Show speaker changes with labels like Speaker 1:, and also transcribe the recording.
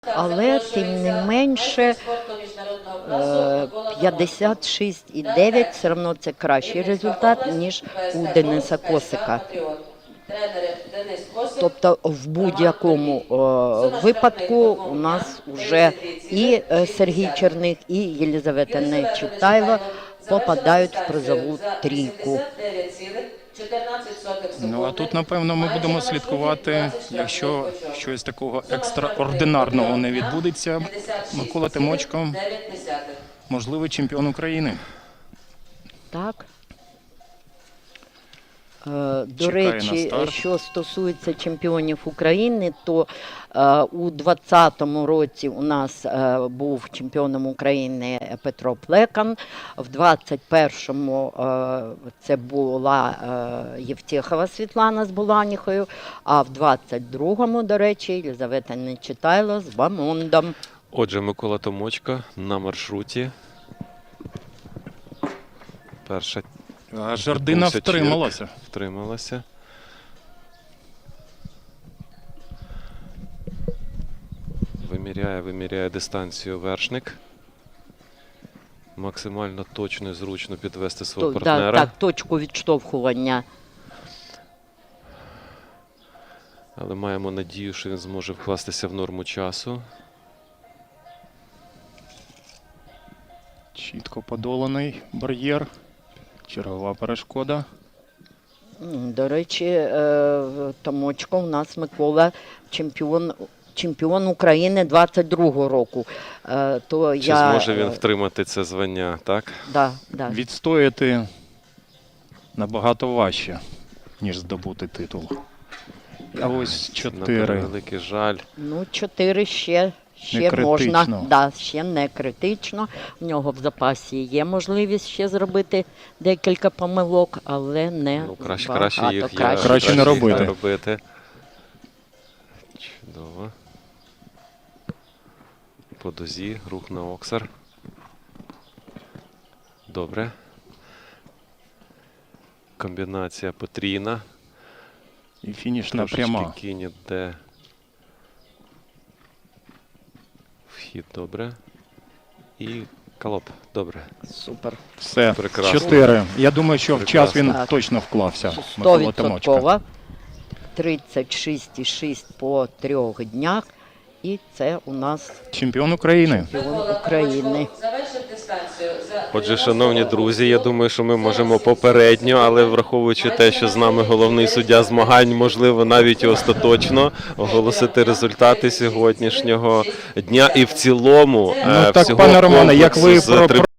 Speaker 1: Але, тим не менше, 56,9 все одно це кращий результат, ніж у Дениса Косика. Тобто в будь-якому випадку у нас вже і Сергій Черних, і Єлизавета Нечитайло попадають в призову трійку.
Speaker 2: Ну, а тут, напевно, ми будемо слідкувати, якщо щось такого екстраординарного не відбудеться. Микола Тимочко, можливий чемпіон України.
Speaker 1: Так. До речі, що стосується чемпіонів України, то у 2020 році у нас був чемпіоном України Петро Плекан, в 2021 це була Євтєхова Світлана з Буланіхою, а в 2022, до речі, Єлизавета Нечитайло з Бамондом.
Speaker 3: Отже, Микола Тимочко на маршруті. Перша
Speaker 2: Жардина втрималася.
Speaker 3: Втрималася. Виміряє дистанцію вершник. Максимально точно і зручно підвести свого партнера.
Speaker 1: Так, точку відштовхування.
Speaker 3: Але маємо надію, що він зможе вкластися в норму часу.
Speaker 2: Чітко подоланий бар'єр. Чергова перешкода.
Speaker 1: До речі, Томочко у нас Микола чемпіон України 22-го року.
Speaker 3: Чи зможе він втримати це звання, так?
Speaker 1: Да.
Speaker 2: Відстояти набагато важче, ніж здобути титул. А ось 4.
Speaker 3: На превеликий жаль.
Speaker 1: Ну, 4 ще можна. Да, ще не критично. В нього в запасі є можливість ще зробити декілька помилок, але не
Speaker 3: Краще їх
Speaker 2: краще не робити.
Speaker 3: Чудово. По дозі, рух на оксар. Добре. Комбінація потрійна.
Speaker 2: І фінішна пряма.
Speaker 3: Кінь іде. Вхід добре. І колоп. Добре.
Speaker 1: Супер.
Speaker 2: Все,
Speaker 3: Прекрасно.
Speaker 2: 4. Я думаю, що в час він точно вклався.
Speaker 1: 100%. 36,6 по 3 днях. І це у нас
Speaker 2: чемпіон України.
Speaker 3: Отже, шановні друзі, я думаю, що ми можемо попередньо, але враховуючи те, що з нами головний суддя змагань, можливо, навіть і остаточно оголосити результати сьогоднішнього дня і в цілому
Speaker 2: Ну так, пане Романе, як ви